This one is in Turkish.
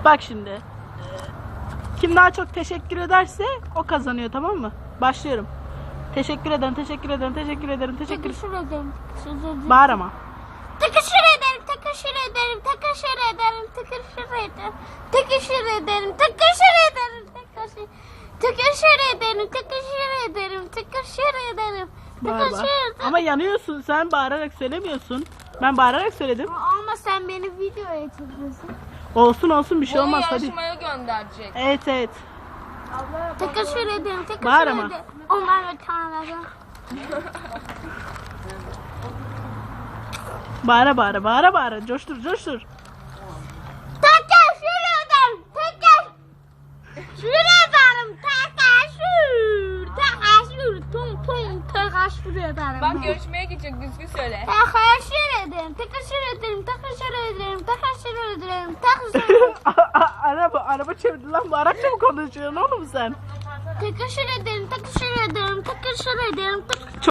Bak şimdi. Kim daha çok teşekkür ederse o kazanıyor, tamam mı? Başlıyorum. Teşekkür ederim, teşekkür ederim, teşekkür ederim, teşekkür Teşekkür ederim. Bağır ama. Teşekkür ederim, teşekkür ederim, teşekkür ederim, teşekkür ederim, teşekkür ederim, teşekkür ederim, teşekkür ederim, teşekkür ederim, teşekkür ederim, Bağır, bağır. teşekkür ederim. Ama yanıyorsun, sen bağırarak söylemiyorsun. Ben bağırarak söyledim. Ama sen beni videoya çekiyorsun. Olsun olsun, bir şey Bunu olmaz, hadi. yarışmaya gönderecek. Evet evet. Teşekkür ederim, teşekkür Bağır ama. ederim. Onlar bir tane. Bağıra bağıra, bağıra bağıra, coştur coştur. Teşekkür ederim, teşekkür ederim, teşekkür ederim. Bak yarışmaya gidecek, düzgün söyle. Teşekkür ederim, teşekkür ederim, teşekkür ederim, teşekkür ederim, teşekkür ederim. Araba çevirdi lan, bu Arapça mı konuşuyorsun oğlum sen? Teşekkür ederim, teşekkür ederim, teşekkür ederim.